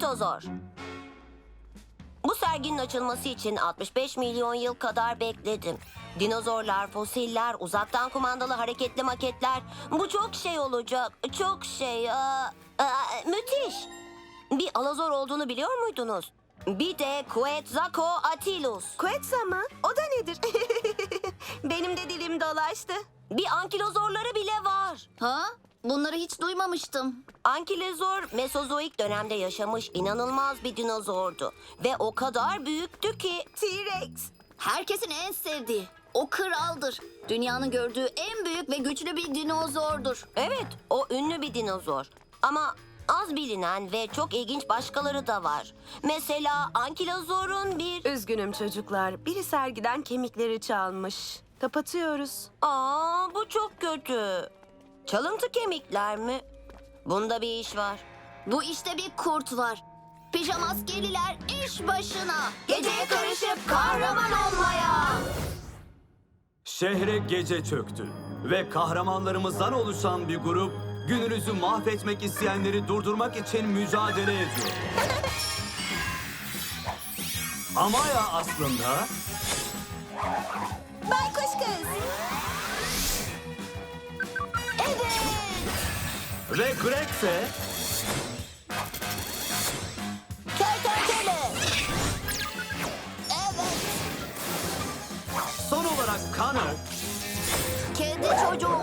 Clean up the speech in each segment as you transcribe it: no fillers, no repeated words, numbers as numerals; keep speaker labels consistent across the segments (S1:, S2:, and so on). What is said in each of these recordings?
S1: Brontosaur. Bu serginin açılması için 65 milyon yıl kadar bekledim. Dinozorlar, fosiller, uzaktan kumandalı hareketli maketler. Bu çok şey olacak. Çok şey. Müthiş. Bir alazor olduğunu biliyor muydunuz? Bir de Quetzalcoatlus.
S2: Quetzal mı? O da nedir? Benim de dilim dolaştı.
S1: Bir ankilozorları bile var.
S3: Ha? Bunları hiç duymamıştım.
S1: Ankilozor Mesozoik dönemde yaşamış inanılmaz bir dinozordu. Ve o kadar büyüktü ki...
S2: T-Rex.
S3: Herkesin en sevdiği. O kraldır. Dünyanın gördüğü en büyük ve güçlü bir dinozordur.
S1: Evet, o ünlü bir dinozor. Ama az bilinen ve çok ilginç başkaları da var. Mesela ankilozorun bir...
S2: Üzgünüm çocuklar. Biri sergiden kemikleri çalmış. Kapatıyoruz.
S1: Bu çok kötü. Çalıntı kemikler mi? Bunda bir iş var.
S3: Bu işte bir kurt var. Pijama askeriler iş başına.
S1: Geceye karışıp kahraman olmaya.
S4: Şehre gece çöktü ve kahramanlarımızdan oluşan bir grup gününüzü mahvetmek isteyenleri durdurmak için mücadele ediyor. Amaya aslında
S2: Baykuş kız.
S4: ve Greg ise
S3: Kertenkele. Evet.
S4: son olarak Connor
S3: Kedi çocuğu.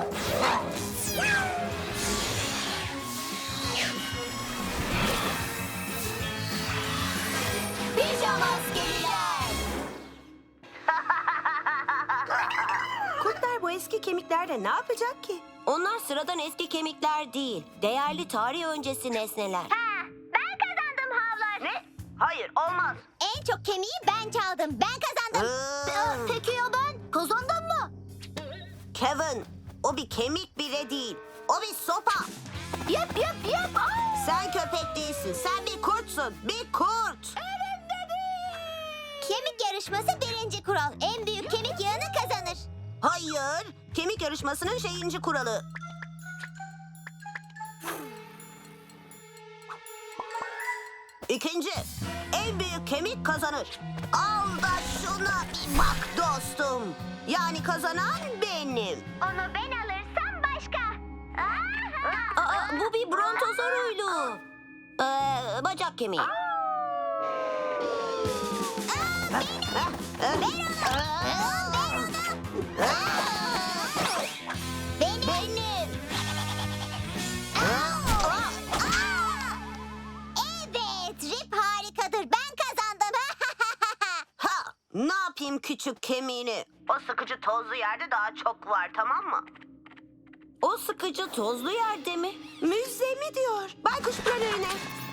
S3: Pijama askeriler.
S2: Kurtlar bu eski kemiklerle ne yapacak ki?
S1: Onlar sıradan eski kemikler değil. Değerli tarih öncesi nesneler.
S5: Ben kazandım havlar.
S1: Ne? Hayır, olmaz.
S5: En çok kemiği ben çaldım. Ben kazandım.
S3: Peki ya ben? Kazandın mı?
S2: Kevin, o bir kemik bile değil. O bir sopa.
S3: Yap.
S2: Sen köpek değilsin. Sen bir kurtsun. Bir kurt.
S5: Kemik yarışması birinci kural. En büyük kemik yığını kazanır.
S2: Hayır. Kemik yarışmasının şeyinci kuralı. İkinci. En büyük kemik kazanır. Al da şuna bir bak dostum. Yani kazanan benim.
S5: Onu ben alırsam başka.
S1: Bu bir brontosauruydu. Bacak kemiği.
S5: Benim. Evet, Rip harikadır. Ben kazandım.
S2: Ha, ne yapayım küçük kemiğini? O sıkıcı tozlu yerde daha çok var, tamam mı?
S1: O sıkıcı tozlu yerde mi?
S2: Müze mi diyor? Baykuş planörüne.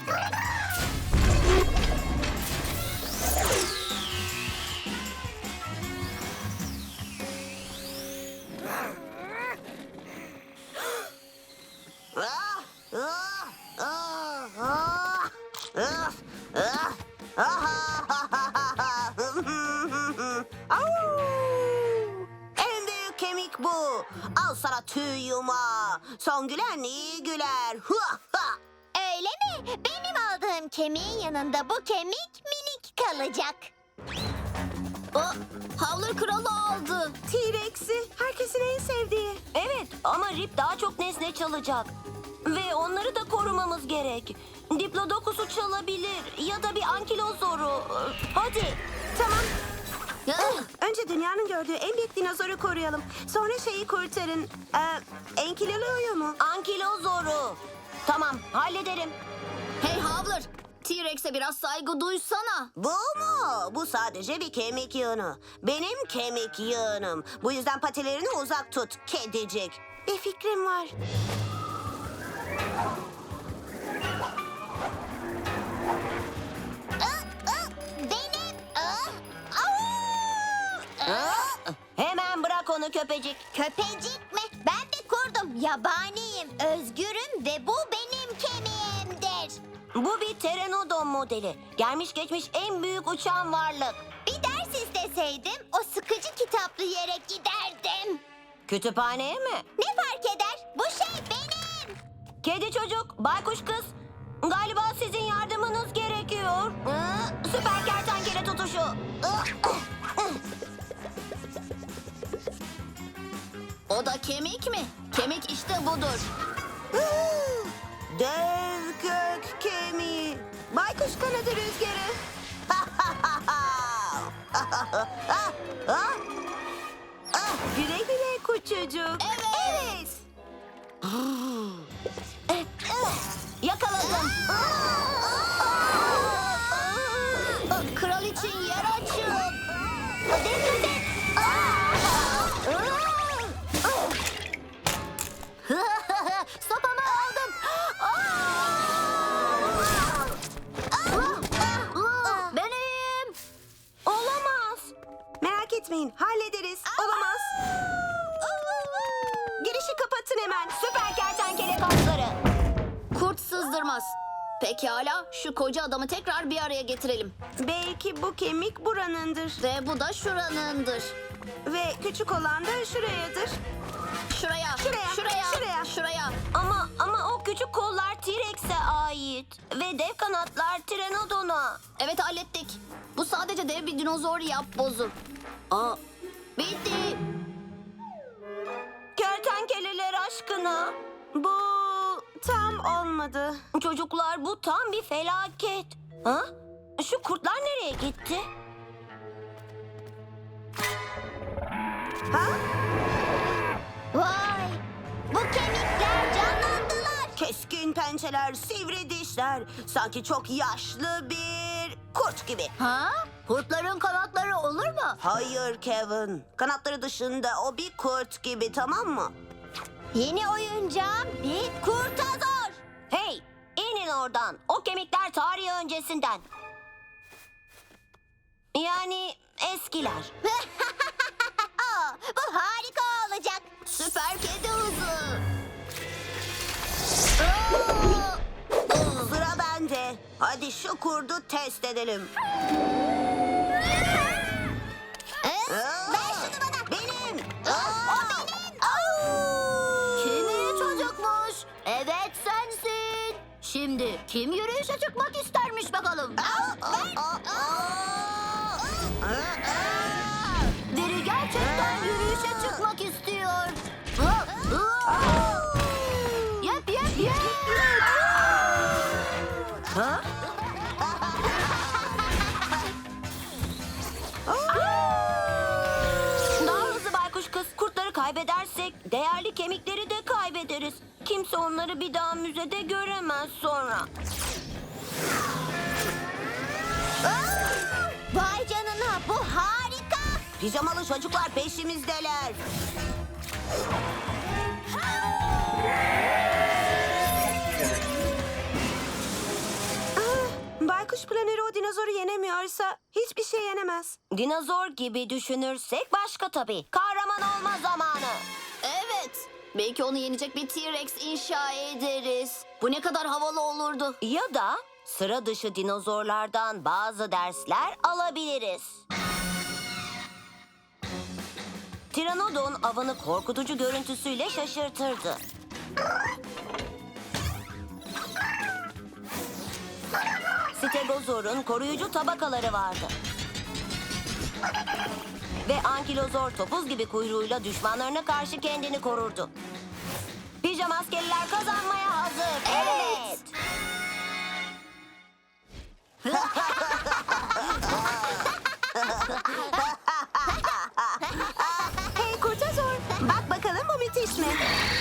S2: En büyük kemik bu. Al sana tüy yumağı. Son gülen iyi güler.
S5: Öyle mi? Benim aldığım kemiğin yanında bu kemik minik kalacak.
S3: Havlu kralı aldı.
S2: T-Rex'i herkesin en sevdiği.
S1: Evet, ama Rip daha çok nesne çalacak. Ve onları da korumamız gerek. Diplodocus'u çalabilir ya da bir ankilozoru. Hadi.
S2: Tamam. Önce dünyanın gördüğü en büyük dinozoru koruyalım. Sonra şeyi kurtarın. Enkilozoru mu?
S1: Ankilozoru. Tamam, hallederim.
S3: Hey Havler, T-Rex'e biraz saygı duysana.
S2: Bu mu? Bu sadece bir kemik yığını. Benim kemik yığınım. Bu yüzden patilerini uzak tut kedicik. Bir fikrim var.
S5: Benim.
S1: Hemen bırak onu köpecik.
S5: Köpecik mi? Ben bir kurdum. Yabaniyim, özgürüm ve bu benim kemiğimdir.
S1: Bu bir Pteranodon modeli. Gelmiş geçmiş en büyük uçan varlık.
S5: Bir ders isteseydim o sıkıcı kitaplı yere giderdim.
S1: Kütüphaneye mi?
S5: Ne fark eder? Bu şey benim.
S1: Kedi çocuk, baykuş kız. Galiba sizin yardımınız gerekiyor. Süper kertenkele tutuşu.
S3: O da kemik mi? Kemik işte budur.
S2: Dev gök kemiği. Baykuş kanadı rüzgarı. Güle güle kuçucuk.
S3: Evet.
S1: Yakaladım.
S3: Kral için yer açın.
S1: Dikkat et.
S3: Sopamı aldım. Ben iyiyim.
S1: Olamaz.
S2: Merak etmeyin, hallederiz. Olamaz. Girişi kapatın hemen.
S1: Süper kertenkele kasları.
S3: Kurt sızdırmaz. Pekala, şu koca adamı tekrar bir araya getirelim.
S2: Belki bu kemik buranındır.
S3: Ve bu da şuranındır.
S2: Ve küçük olan da şurayadır.
S3: Şuraya,
S2: Şuraya,
S3: şuraya,
S2: şuraya.
S3: şuraya.
S1: Ama o küçük kollar T-Rex'e ait. Ve dev kanatlar Pteranodon'a.
S3: Evet, hallettik. Bu sadece dev bir dinozor yapbozu. Aa, bitti.
S1: Kertenkeleler aşkına.
S2: Bu tam olmadı.
S1: Çocuklar bu tam bir felaket. Ha? Şu kurtlar nereye gitti?
S2: Ha?
S5: Vay! Bu kemikler canlandılar.
S2: Keskin pençeler, sivri dişler. Sanki çok yaşlı bir kurt gibi.
S3: Ha? Kurtların kanatları olur mu?
S2: Hayır Kevin. Kanatları dışında o bir kurt gibi, tamam mı?
S5: Yeni oyuncağım bir kurtazor.
S1: Hey, inin oradan. O kemikler tarihi öncesinden. Yani eskiler.
S5: Aa, bu harika olacak.
S3: Süper kedi hızı.
S2: Sıra bende. Hadi şu kurdu test edelim.
S5: Ver şunu bana.
S2: Benim.
S5: O benim.
S3: Kim iyi çocukmuş? Evet, sensin. Şimdi kim yürüyüşe çıkmak istermiş bakalım? Biri gerçekten yürüyüşe çıkmak istiyor. Yep, yep, yep.
S1: Ha? Daha hızlı baykuş kız. Kurtları kaybedersek değerli kemikleri de kaybederiz. Kimse onları bir daha müzede göremez sonra.
S5: Vay canına, bu harika.
S2: Pijamalı çocuklar peşimizdeler. Baykuş planörü o dinozoru yenemiyorsa hiçbir şey yenemez.
S1: Dinozor gibi düşünürsek başka tabii. Kahraman olma zamanı.
S3: Evet. Belki onu yenecek bir T-Rex inşa ederiz. Bu ne kadar havalı olurdu.
S1: Ya da sıra dışı dinozorlardan bazı dersler alabiliriz. Pteranodon avını korkutucu görüntüsüyle şaşırtırdı. Stegozor'un koruyucu tabakaları vardı. Ve ankilozor topuz gibi kuyruğuyla düşmanlarına karşı kendini korurdu. Pijama askeriler kazanmaya hazır. Evet.
S2: Hey kurtazor, bak bakalım bu müthiş mi?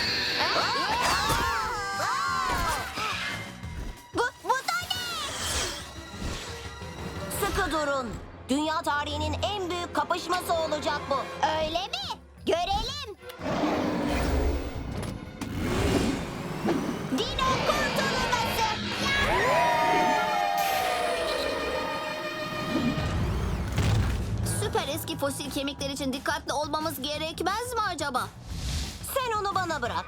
S5: Bu da ne?
S1: Sıkı durun. Dünya tarihinin en büyük kapışması olacak bu.
S5: Öyle mi? Görelim. Dino kurtulması.
S3: Süper eski fosil kemikler için dikkatli olmamız gerekmez mi acaba?
S1: Sen onu bana bırak.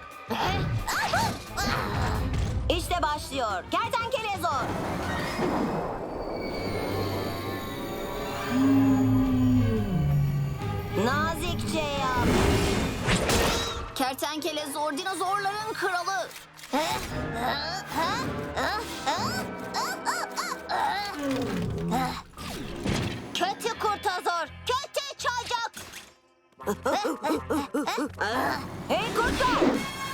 S1: İşte başlıyor. Kertenkele zor. Nazikçe yap.
S3: Kertenkele zor dinozorların kralı.
S5: Ha? Ha? Ha?
S1: Hey kurtlar!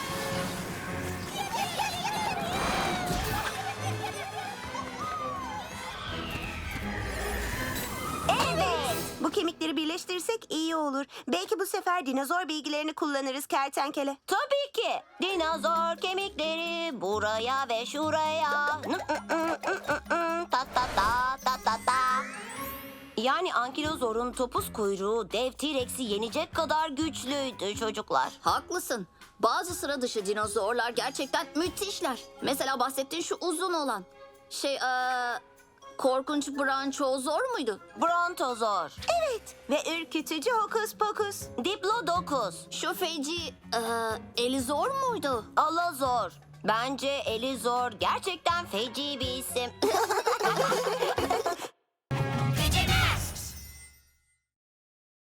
S2: Evet. Bu kemikleri birleştirirsek iyi olur. Belki bu sefer dinozor bilgilerini kullanırız kertenkele.
S1: Tabii ki. Dinozor kemikleri buraya ve şuraya. Ta ta ta ta ta ta. Yani ankilozorun topuz kuyruğu dev T-Rex'i yenecek kadar güçlüydü çocuklar.
S3: Haklısın. Bazı sıra dışı dinozorlar gerçekten müthişler. Mesela bahsettiğin şu uzun olan. Korkunç Branchozor muydu?
S1: Brontozor,
S2: Evet. Ve ürkütücü hokus pokus.
S1: Diplodocus,
S3: Şu feci Elizor muydu?
S1: Alazor. Bence Elizor gerçekten feci bir isim.